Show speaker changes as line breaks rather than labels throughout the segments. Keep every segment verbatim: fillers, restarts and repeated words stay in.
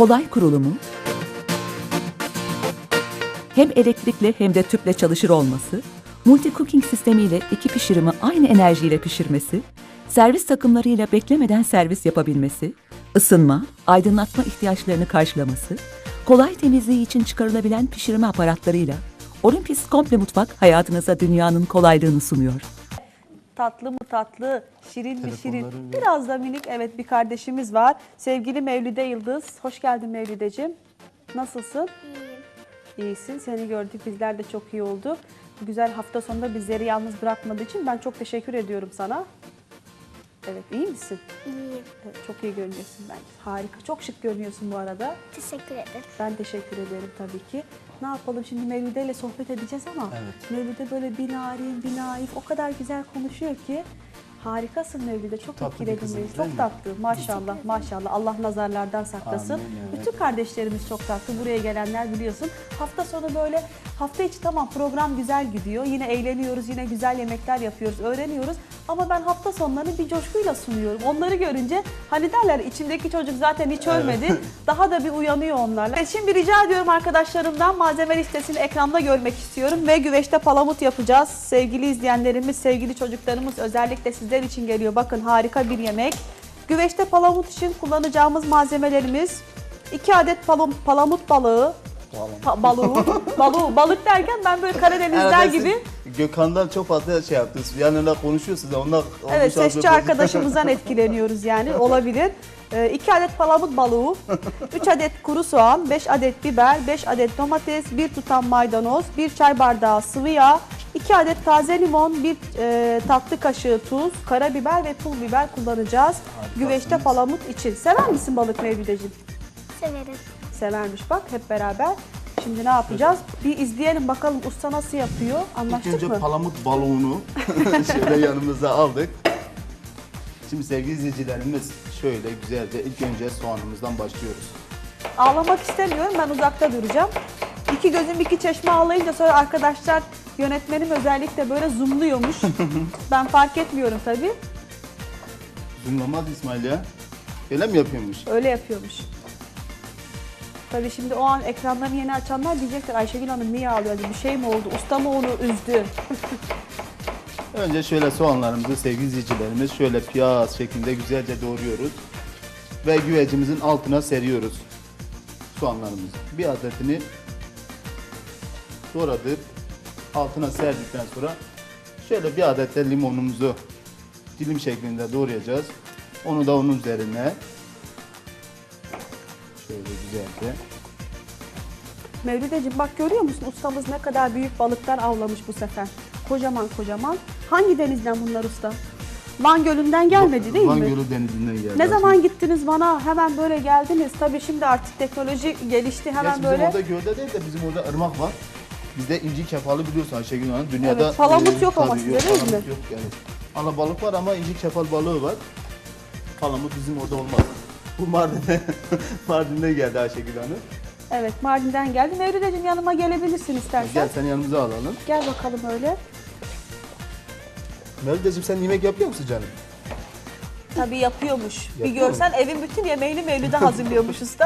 kolay kurulumu, hem elektrikli hem de tüple çalışır olması, multi cooking sistemiyle iki pişirimi aynı enerjiyle pişirmesi, servis takımlarıyla beklemeden servis yapabilmesi, ısınma, aydınlatma ihtiyaçlarını karşılaması, kolay temizliği için çıkarılabilen pişirme aparatlarıyla Olympus Komple Mutfak hayatınıza dünyanın kolaylığını sunuyor.
Tatlı mı tatlı, şirin mi şirin,
Telefonları
biraz da minik, evet, bir kardeşimiz var. Sevgili Mevlide Yıldız, hoş geldin Mevlideciğim. Nasılsın?
İyiyim.
İyisin, seni gördük, bizler de çok iyi olduk. Bu güzel hafta sonunda bizleri yalnız bırakmadığı için ben çok teşekkür ediyorum sana. Evet, iyi misin?
İyiyim.
Evet, çok iyi görünüyorsun bence. Harika, çok şık görünüyorsun bu arada.
Teşekkür ederim.
Ben teşekkür ederim tabii ki. Ne yapalım şimdi, Mevlide ile sohbet edeceğiz ama
Evet.
Mevlide böyle bir narin, bir naif, o kadar güzel konuşuyor ki. Harikasın Mevlide, çok
Tatlı bir
etkiledin
kızım,
beni.
değil
Çok
mi?
tatlı, maşallah, maşallah. Allah nazarlardan saklasın.
Amin, evet.
Bütün kardeşlerimiz çok tatlı. Buraya gelenler biliyorsun. Hafta sonu böyle, hafta içi tamam program güzel gidiyor. Yine eğleniyoruz, yine güzel yemekler yapıyoruz, öğreniyoruz. Ama ben hafta sonlarını bir coşkuyla sunuyorum. Onları görünce hani derler, içimdeki çocuk zaten hiç ölmedi. Daha da bir uyanıyor onlarla. Evet, şimdi rica ediyorum arkadaşlarımdan, malzeme listesini ekranda görmek istiyorum. Ve güveçte palamut yapacağız. Sevgili izleyenlerimiz, sevgili çocuklarımız, özellikle sizler için geliyor. Bakın, harika bir yemek. Güveçte palamut için kullanacağımız malzemelerimiz: iki adet palam palamut balığı. Pa balığı, balığı, balık derken ben böyle Karadenizler
Herhalde
gibi.
siz Gökhan'dan çok fazla şey yaptınız. Yanında konuşuyorsunuz. Onlar
Evet, sesçi arkadaşımızdan etkileniyoruz yani, olabilir. iki adet palamut balığı, üç adet kuru soğan, beş adet biber, beş adet domates, bir tutam maydanoz, bir çay bardağı sıvı yağ, iki adet taze limon, bir e, tatlı kaşığı tuz, karabiber ve pul biber kullanacağız. Güveçte palamut için. Sever misin balık Mevlideciğim?
Severim.
Severmiş bak, hep beraber. Şimdi ne yapacağız? Bir izleyelim bakalım usta nasıl yapıyor.
İlk
Anlaştık
önce
mı?
palamut balığını şöyle yanımıza aldık. Şimdi sevgili izleyicilerimiz, şöyle güzelce ilk önce soğanımızdan başlıyoruz.
Ağlamak istemiyorum, ben uzakta duracağım. İki gözüm iki çeşme ağlayınca sonra arkadaşlar, yönetmenim özellikle böyle zoomluyormuş. Ben fark etmiyorum tabii.
Zoomlamaz İsmail ya. Öyle mi yapıyormuş?
Öyle yapıyormuş. Tabii şimdi o an ekranlarını yeni açanlar diyecekler, Ayşegül Hanım niye ağlıyor? Bir şey mi oldu? Usta mı onu üzdü?
Önce şöyle soğanlarımızı sevgili izleyicilerimiz şöyle piyaz şeklinde güzelce doğruyoruz. Ve güvecimizin altına seriyoruz soğanlarımızı. Bir adetini doğradık. Altına serdikten sonra şöyle bir adet de limonumuzu dilim şeklinde doğrayacağız. Onu da onun üzerine şöyle güzelce.
Mevlideciğim bak, görüyor musun ustamız ne kadar büyük balıklar avlamış bu sefer. Kocaman kocaman. Hangi denizden bunlar usta? Van Gölü'nden gelmedi değil
Van
mi?
Gölü denizinden geldi.
Ne zaman gittiniz Van'a? Hemen böyle geldiniz. Tabii şimdi artık teknoloji gelişti. Hemen
Gerçi bizim
böyle.
orada gölde değil de bizim orada ırmak var. Bizde inci kefalı biliyorsun Ayşegül Hanım. Dünyada
Evet, palamut yok ama
tabii
sizde
yok,
değil
palamut
mi?
Yok yani. Alabalık var ama inci kefal balığı var. Palamut bizim orada olmaz. Bu Mardin'de, Mardin'de geldi Ayşegül Hanım.
Evet, Mardin'den geldi. Mevlideciğim yanıma gelebilirsin istersen.
Gel seni yanımıza alalım.
Gel bakalım öyle.
Mevlideciğim sen yemek yapıyor musun canım?
Tabii yapıyormuş. Bir
Yapıyor
görsen evin bütün yemeğini Mevlid'e hazırlıyormuş usta.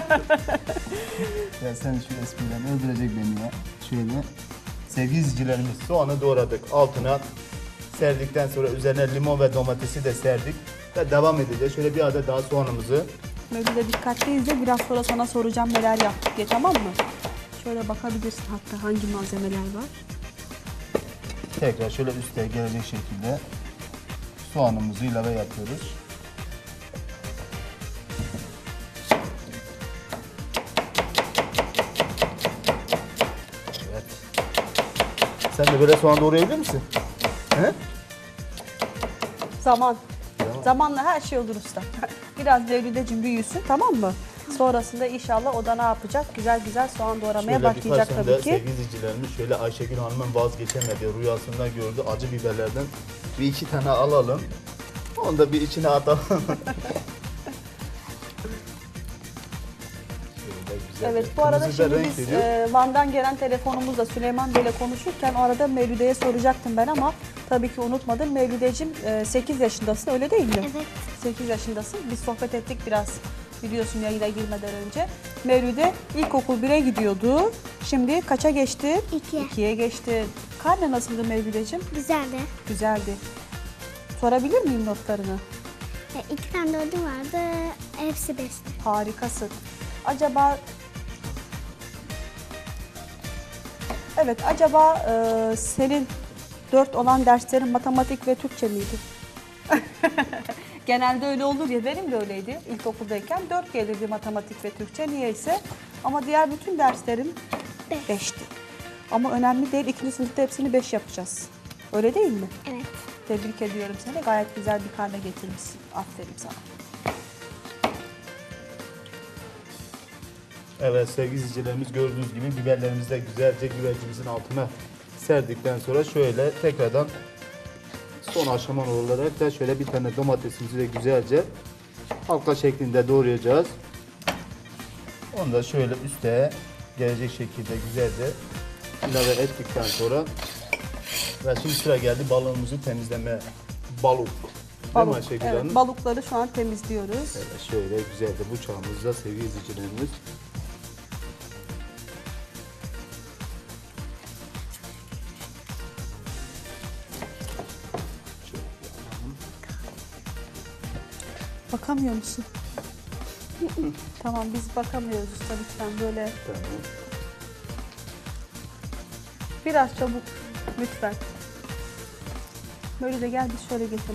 Ya sen şu espriden öldürecek beni ya. Şöyle. Sevgili izleyicilerimiz, soğanı doğradık. Altına serdikten sonra üzerine limon ve domatesi de serdik. Ve devam edeceğiz. Şöyle bir adet daha soğanımızı.
Mevlid'e dikkatli izle. Biraz sonra sana soracağım neler yaptık diye, tamam mı? Şöyle bakabilirsin hatta hangi malzemeler var.
Tekrar şöyle üste gelecek şekilde soğanımızı ilave yapıyoruz. Evet. Sen de böyle soğan doğrayabilir misin? He?
Zaman.
Zaman.
Zamanla her şey olur usta. Biraz Mevlideciğim büyüsün, tamam mı? Sonrasında inşallah o da ne yapacak? Güzel güzel soğan doğramaya
Şöyle
başlayacak
birkaç
tabii
tane
ki.
sevgili izleyicilerimiz şöyle Ayşegül Hanım'ın vazgeçemediği rüyasında gördü acı biberlerden bir iki tane alalım. Onu da bir içine atalım. Şöyle güzel
Evet,
bir
bu arada
kırmızı da
şimdi
renk
biz
veriyor.
e, Van'dan gelen telefonumuzla Süleyman Bey'le konuşurken o arada Mevlüde'ye soracaktım ben ama tabii ki unutmadım. Mevlüdeciğim e, sekiz yaşındasın, öyle değil mi?
Evet.
sekiz yaşındasın. Biz sohbet ettik biraz biliyorsun yayına girmeden önce. Mevlüde ilkokul bire gidiyordu. Şimdi kaça geçti?
İki.
ikiye geçti. Karne nasıldı Mevlüdeciğim?
Güzeldi.
Güzeldi. Sorabilir miyim notlarını?
E, iki tane dördü vardı. Hepsi beşti.
Harikasın. Acaba Evet, acaba e, senin dört olan derslerin matematik ve Türkçe miydi? Genelde öyle olur ya, benim de öyleydi. İlkokuldayken dört gelirdi matematik ve Türkçe niyeyse. Ama diğer bütün derslerim
Beş.
beşti. Ama önemli değil, ikinci sınıfta hepsini beş yapacağız. Öyle değil mi?
Evet.
Tebrik ediyorum seni. Gayet güzel bir karne getirmişsin. Aferin sana.
Evet sevgili izleyicilerimiz, gördüğünüz gibi biberlerimizi de güzelce güvecimizin altına serdikten sonra şöyle tekrardan son aşama olarak da şöyle bir tane domatesimizi de güzelce halka şeklinde doğrayacağız. Onu da şöyle üste gelecek şekilde güzelce ilave ettikten sonra ve şimdi sıra geldi balığımızı temizleme. Balık. Değil mi Ayşegül
Evet,
Hanım?
balıkları şu an temizliyoruz.
Evet, şöyle güzelce bıçağımızla sevgili izleyicilerimiz.
Bakamıyor musun? Tamam, biz bakamıyoruz usta, lütfen böyle.
Tamam.
Biraz çabuk lütfen. Böyle de gel biz şöyle geçelim.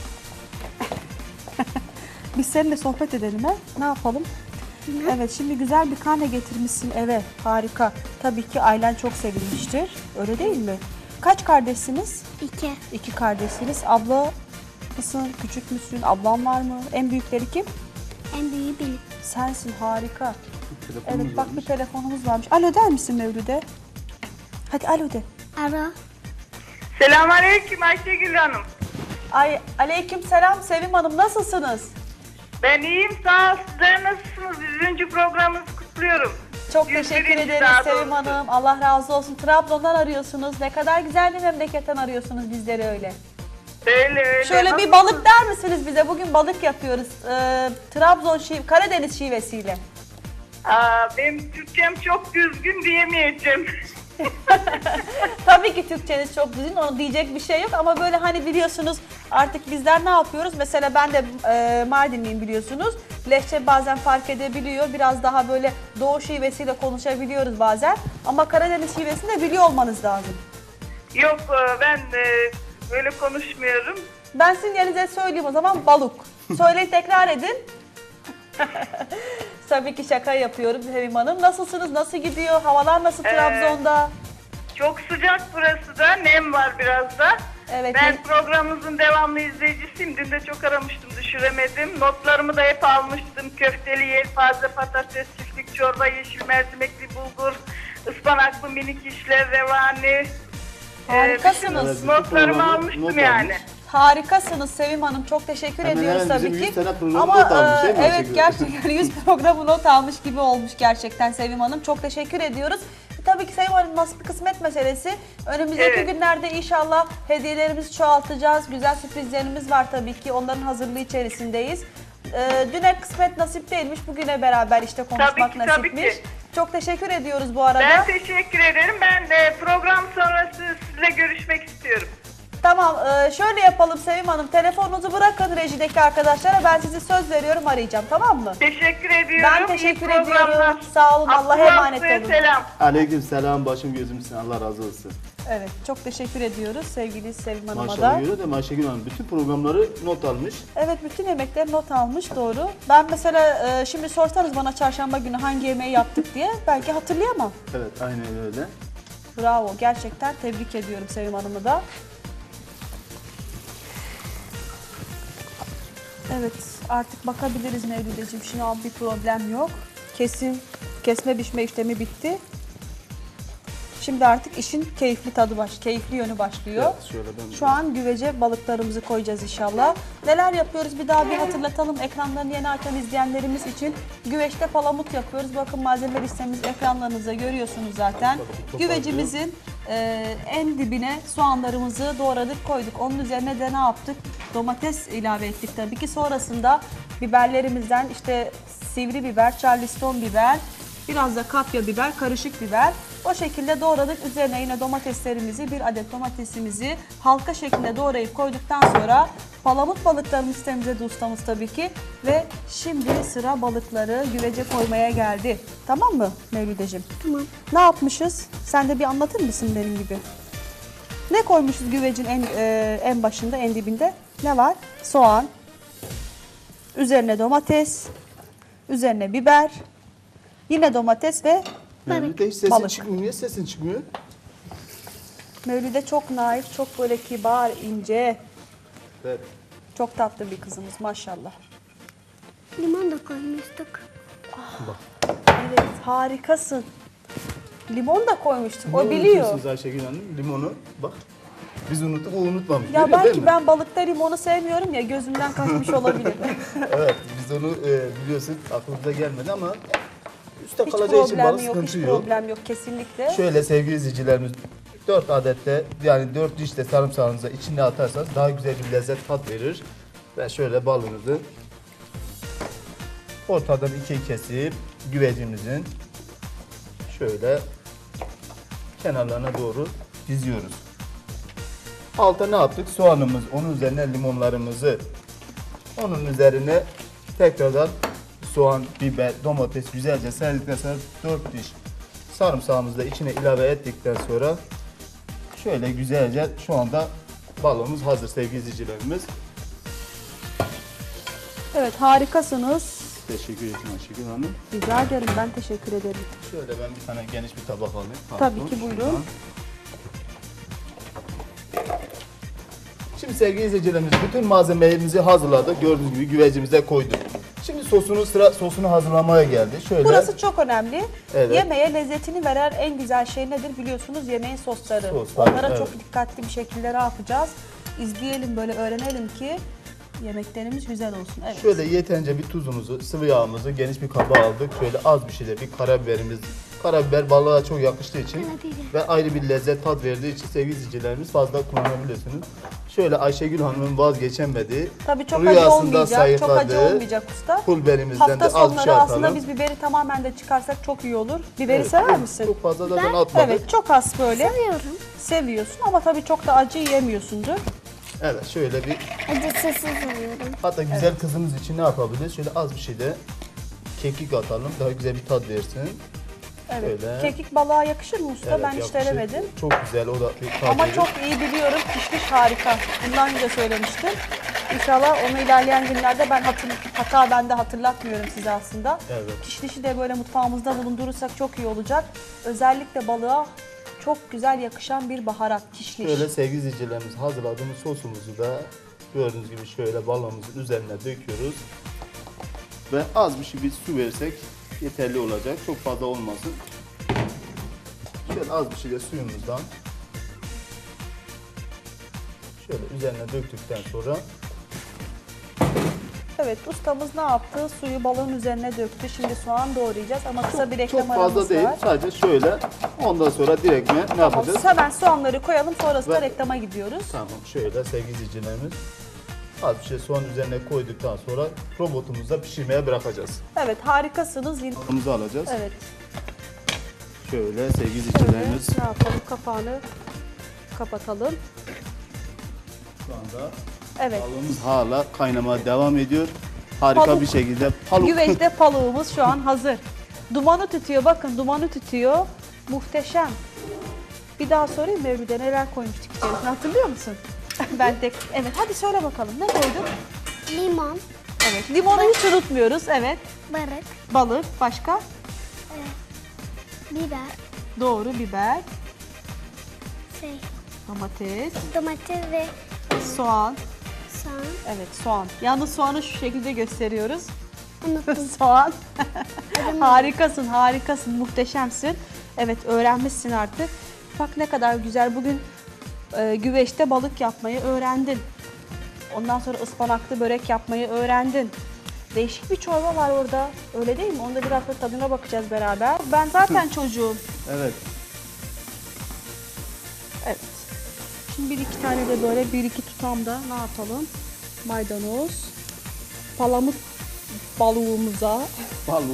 Biz seninle sohbet edelim ha. Ne yapalım? Evet, şimdi güzel bir karne getirmişsin eve. Harika. Tabii ki ailen çok sevinmiştir. Öyle değil mi? Kaç kardeşsiniz?
İki.
İki kardeşsiniz. Abla mısın? Küçük müsün? Ablan var mı? En büyükleri kim?
En büyüğü benim.
Sensin, harika.
Telefonumuz
Evet, bak
varmış.
bir telefonumuz varmış. Alo der misin Mevlüt'e? Hadi alo de.
Ara.
Selamünaleyküm Ayşegül Hanım.
Ay, aleyküm selam Sevim Hanım, nasılsınız?
Ben iyiyim, sağ ol. Sizler nasılsınız? Yüzüncü programınızı kutluyorum.
Çok
Yüz
teşekkür
birinci
ederiz
daha
Sevim
doğrusu.
Hanım. Allah razı olsun. Trabzon'dan arıyorsunuz. Ne kadar güzel bir memleketten arıyorsunuz bizleri öyle.
Öyle öyle.
Şöyle bir
Nasılsınız?
balık der misiniz bize? Bugün balık yapıyoruz. Ee, Trabzon şive, Karadeniz şivesiyle.
Aa, benim Türkçem çok düzgün diyemeyeceğim.
Tabii ki Türkçeniz çok düzgün, onu diyecek bir şey yok ama böyle hani biliyorsunuz artık bizler ne yapıyoruz? Mesela ben de e, Mardinliyim biliyorsunuz. Lehçe bazen fark edebiliyor. Biraz daha böyle Doğu şivesiyle konuşabiliyoruz bazen. Ama Karadeniz şivesini de biliyor olmanız lazım.
Yok e, ben e, böyle konuşmuyorum.
Ben sizin yerinize söyleyeyim o zaman balık. Söyleyin, tekrar edin. Tabii ki şaka yapıyorum Sevim Hanım. Nasılsınız? Nasıl gidiyor? Havalar nasıl Trabzon'da?
Çok sıcak burası da, nem var biraz da.
Evet.
Ben programınızın devamlı izleyicisiyim. Dün de çok aramıştım, düşüremedim. Notlarımı da hep almıştım. Köfteli yelpaze, patates, çiftlik çorba, yeşil mercimekli bulgur, ıspanaklı minik işler, revani.
Harikasınız.
Ee, bütün notlarımı almıştım
not
yani.
almış.
Harikasınız Sevim Hanım. Çok teşekkür
Hemen
ediyoruz
hemen bizim
tabii ki.
yüz tane programı
Ama
not almış, değil mi
e, evet
Ayşegül?
gerçekten yüz programı not almış gibi olmuş gerçekten Sevim Hanım. Çok teşekkür ediyoruz. E, tabii ki Sevim Hanım, nasıl bir kısmet meselesi. Önümüzdeki
Evet.
günlerde inşallah hediyelerimizi çoğaltacağız. Güzel sürprizlerimiz var tabii ki. Onların hazırlığı içerisindeyiz. E, düne kısmet nasip değilmiş. Bugüne beraber işte konuşmak
Tabii ki, tabii
nasipmiş.
ki.
Çok teşekkür ediyoruz bu arada.
Ben teşekkür ederim. Ben de program sonrası sizinle görüşmek istiyorum.
Tamam, e, şöyle yapalım Sevim Hanım. Telefonunuzu bırakın rejideki arkadaşlara. Ben sizi söz veriyorum, arayacağım, tamam mı?
Teşekkür ediyorum.
Ben
İyi
teşekkür
programlar.
ediyorum. Sağ olun, Allah'a
Abdullah
emanet
Bey'e
olun.
selam.
Aleyküm selam, başım gözümsün, Allah razı olsun.
Evet, çok teşekkür ediyoruz sevgili Sevim Hanım'a
Maşallah
da.
görüyor da Ayşegül Hanım bütün programları not almış.
Evet, bütün yemekleri not almış, doğru. Ben mesela e, şimdi sorsanız bana çarşamba günü hangi yemeği yaptık diye belki hatırlayamam.
Evet, aynen öyle.
Bravo, gerçekten tebrik ediyorum Sevim Hanım'ı da. Evet, artık bakabiliriz Mevlüt'ciğim. Şimdi an bir problem yok. Kesin kesme biçme işlemi bitti. Şimdi artık işin keyifli tadı baş, keyifli yönü başlıyor.
Evet, şöyle ben
Şu an güvece balıklarımızı koyacağız inşallah. Neler yapıyoruz bir daha bir hatırlatalım ekranlarını yeni açan izleyenlerimiz için. Güveçte palamut yapıyoruz. Bakın malzeme listemiz ekranlarınızda görüyorsunuz zaten. Güvecimizin e, en dibine soğanlarımızı doğradık koyduk. Onun üzerine de ne yaptık? Domates ilave ettik tabii ki. Sonrasında biberlerimizden işte sivri biber, charleston biber, biraz da kapya biber, karışık biber. O şekilde doğradık. Üzerine yine domateslerimizi, bir adet domatesimizi halka şeklinde doğrayıp koyduktan sonra palamut balıklarımız temizledi ustamız tabii ki. Ve şimdi sıra balıkları güvece koymaya geldi. Tamam mı Mevlideciğim?
Tamam.
Ne yapmışız? Sen de bir anlatır mısın benim gibi? Ne koymuşuz güvecin en, e, en başında, en dibinde? Ne var? Soğan, üzerine domates, üzerine biber, yine domates ve
Mevlüt'te hiç sesin
Balık.
çıkmıyor. Niye sesin çıkmıyor?
Mevlüde çok naif, çok böyle kibar, ince,
Evet.
çok tatlı bir kızımız maşallah.
Limon da koymuştuk.
Evet, harikasın. Limon da koymuştuk, o
Ne
biliyor.
unutuyorsunuz Ayşegül Hanım? Limonu bak. Biz unuttuk, o unutmamış.
Ya
Görüyor, değil
belki
mi?
ben balıkta limonu sevmiyorum ya, gözümden kaçmış olabilir.
Evet, biz onu e, biliyorsun aklımıza gelmedi ama üstte
Hiç
kalacağı için balık
problem yok, hiç
sıkıntı yok.
problem yok kesinlikle.
Şöyle sevgili izleyicilerimiz, dört adette yani dört diş de sarımsağınızı içine atarsanız daha güzel bir lezzet tat verir. Ve şöyle balığınızı ortadan ikiye kesip güvecimizin şöyle kenarlarına doğru diziyoruz. Alta ne yaptık? Soğanımız, onun üzerine limonlarımızı, onun üzerine tekrardan soğan, biber, domates güzelce serdikten sonra dört diş sarımsağımızı da içine ilave ettikten sonra şöyle güzelce şu anda balığımız hazır sevgili izleyicilerimiz.
Evet, harikasınız.
Teşekkür ederim Ayşegül Hanım.
Rica ederim, ben teşekkür ederim.
Şöyle ben bir tane geniş bir tabak alayım.
Tabii
Pardon,
ki, buyurun.
şuradan. Şimdi sevgili izleyicilerimiz bütün malzemelerimizi hazırladık. Gördüğünüz gibi güvecimize koyduk. Şimdi sosunu sıra sosunu hazırlamaya geldi. Şöyle
Burası çok önemli.
Evet.
Yemeğe lezzetini veren en güzel şey nedir biliyorsunuz? Yemeğin sosları.
Soslar,
Onlara
evet.
çok dikkatli bir şekilde ne yapacağız? İzleyelim, böyle öğrenelim ki yemeklerimiz güzel olsun. Evet.
şöyle yeterince bir tuzumuzu, sıvı yağımızı geniş bir kaba aldık. Şöyle az bir şey de bir karabiberimiz. Karabiber balığa çok yakıştığı için ve ayrı bir lezzet tat verdiği için sevgili izleyicilerimiz fazla kullanabilirsiniz. Şöyle Ayşegül Hanım'ın vazgeçemediği,
Tabii çok acı
rüyasında
olmayacak, çok acı
sayıkladığı
olmayacak usta.
pul biberimizden
Hafta
de az bir
sonları
şey
aslında
atalım.
biz biberi tamamen de çıkarsak çok iyi olur. Biberi
Evet,
sever misin?
Çok fazla da ben atmadık.
Evet, çok az böyle
Seviyorum.
seviyorsun ama tabii çok da acı yiyemiyorsundur.
Evet şöyle bir,
Acısız seviyorum.
hatta güzel kızımız için ne yapabiliriz? Şöyle az bir şey de kekik atalım. Daha güzel bir tat versin.
Evet.
Şöyle.
Kekik balığa yakışır mı usta?
Evet,
ben hiç
yakışır.
denemedim.
Çok güzel o da bir tat
Ama
verir.
çok iyi biliyorum. Kişniş harika. Bundan önce söylemiştim. İnşallah onu ilerleyen günlerde ben hatır, hata ben de hatırlatmıyorum size aslında.
Evet.
Kişnişi de böyle mutfağımızda bulundurursak çok iyi olacak. Özellikle balığa çok güzel yakışan bir baharat kişniş.
Şöyle sevgili izleyicilerimiz hazırladığımız sosumuzu da gördüğünüz gibi şöyle balığımızın üzerine döküyoruz. Ve az bir şey bir su versek yeterli olacak. Çok fazla olmasın. Şöyle az bir şey de suyumuzdan şöyle üzerine döktükten sonra
Evet, ustamız ne yaptı? Suyu balığın üzerine döktü. Şimdi soğan doğrayacağız ama kısa bir reklam
çok
aramız
fazla değil.
var.
Sadece şöyle. Ondan sonra direkt ne
Tamam,
yapacağız?
hemen soğanları koyalım, sonrasında
Ve-
reklama gidiyoruz.
Tamam şöyle sevgili izleyicilerimiz az bir şey soğan üzerine koyduktan sonra robotumuzda pişirmeye bırakacağız.
Evet, harikasınız. Yine-
Balığımızı alacağız.
Evet,
Şöyle sevgili
şöyle
izleyicilerimiz
ne yapalım? Kapağını kapatalım.
şu anda
Evet,
balığımız hala kaynamaya devam ediyor. Harika
Paluk.
bir şekilde paluk.
güveçte paluğumuz şu an hazır. Dumanı tütüyor, bakın dumanı tütüyor. Muhteşem. Bir daha sorayım Mevlüt'e neler koymuştuk içerisine, hatırlıyor musun? Ben tek, evet hadi söyle bakalım ne koyduk?
Limon,
Evet, limonu hiç unutmuyoruz, evet.
balık,
Balık, başka?
biber,
Doğru, biber,
şey,
domates,
domates ve
soğan.
soğan.
Evet, soğan. Yalnız soğanı şu şekilde gösteriyoruz.
Unuttum.
Soğan. Harikasın, harikasın, muhteşemsin. Evet, öğrenmişsin artık. Bak ne kadar güzel. Bugün e, güveçte balık yapmayı öğrendin. Ondan sonra ıspanaklı börek yapmayı öğrendin. Değişik bir çorba var orada. Öyle değil mi? Onda biraz da tadına bakacağız beraber. Ben zaten çocuğum.
Evet.
Evet. Şimdi bir iki tane de böyle bir iki tutam da ne yapalım? Maydanoz, palamut balığımıza.
Balığı.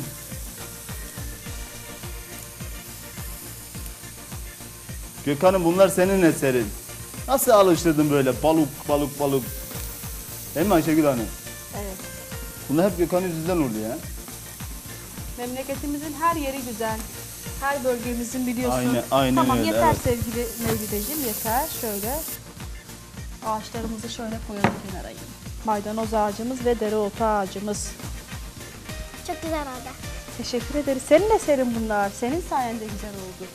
Gökhan'ım bunlar senin eserin. Nasıl alıştırdın böyle balık balık balık? Değil mi Ayşegül Hanım?
Evet.
Bunlar hep Gökhan yüzünden oldu ya.
Memleketimizin her yeri güzel. Her bölgemizin biliyorsun.
Aynen- aynen
tamam,
öyle,
yeter
evet.
sevgili Mevlideciğim, yeter. Şöyle ağaçlarımızı şöyle koyalım kenara yine. Maydanoz ağacımız ve dereotu ağacımız.
Çok güzel oldu.
Teşekkür ederiz. Senin eserin bunlar. Senin sayende güzel oldu.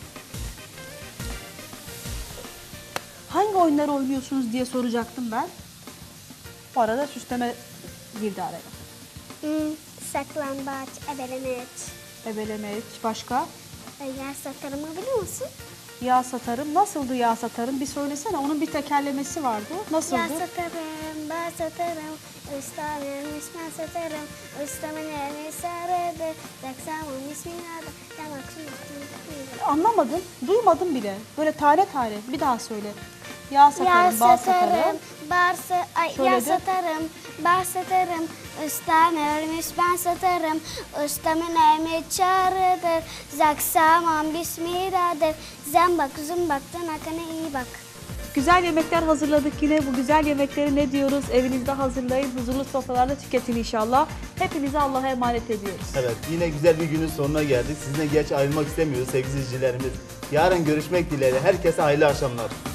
Hangi oyunları oynuyorsunuz diye soracaktım ben. Bu arada süsleme girdi araya.
Hmm, saklambaç, ebelemeç.
Ebelemeç, başka?
E, yer satarımı biliyor musun?
Yağ satarım. Nasıldı yağ satarım? Bir söylesene. Onun bir tekerlemesi vardı. Nasıldı?
Yer satarım, ben satarım. Ustam vermiş ben satarım. Ustamın elini sarıdı. Yaksamın bismillah'da. Yamak şunu.
Anlamadım. Duymadım bile. Böyle tane tane. Bir daha söyle. Yağ satarım,
Yağ
bal
satarım,
satarım.
bar sa ay, yağ
Söyledin.
satarım, bar satarım. Ustam ölmüş ben satarım. Ustamın elmi çağrıdır. Zaksamam bismillah'dır. Zambak zumbaktan akana iyi bak.
Güzel yemekler hazırladık yine. Bu güzel yemekleri ne diyoruz? Evinizde hazırlayın. Huzurlu sofralarda tüketin inşallah. Hepinizi Allah'a emanet ediyoruz.
Evet, yine güzel bir günün sonuna geldik. Sizinle geç ayrılmak istemiyoruz sevgili izleyicilerimiz. Yarın görüşmek dileğiyle. Herkese hayırlı akşamlar.